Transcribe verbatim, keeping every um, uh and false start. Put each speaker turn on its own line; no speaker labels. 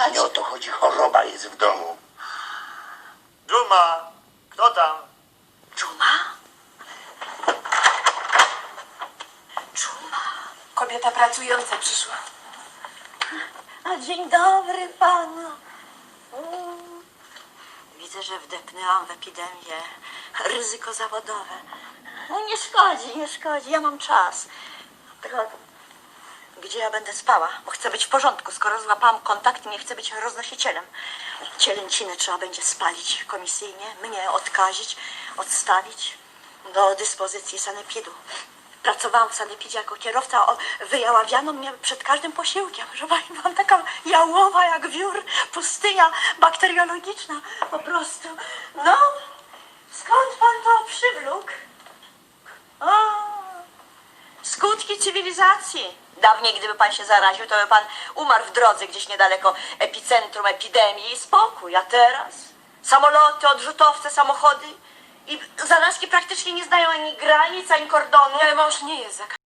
A nie o to chodzi, choroba jest w domu.
Dżuma, kto tam?
Dżuma? Dżuma. Kobieta pracująca przyszła.
A dzień dobry panu.
Mm. Widzę, że wdepnęłam w epidemię. Ryzyko zawodowe.
No nie szkodzi, nie szkodzi, ja mam czas.
Tylko gdzie ja będę spała? Bo chcę być w porządku, skoro złapałam kontakt i nie chcę być roznosicielem. Cielęciny trzeba będzie spalić komisyjnie, mnie odkazić, odstawić do dyspozycji sanepidu. Pracowałam w sanepidzie jako kierowca, o, wyjaławiano mnie przed każdym posiłkiem. Proszę pani, byłam taka jałowa jak wiór, pustynia bakteriologiczna po prostu.
No, skąd pan to przywlókł?
O, skutki cywilizacji. Dawniej, gdyby pan się zaraził, to by pan umarł w drodze gdzieś niedaleko epicentrum epidemii i spokój. A teraz samoloty, odrzutowce, samochody i zarazki praktycznie nie znają ani granic, ani kordonu.
Ale mąż nie jest zakażony.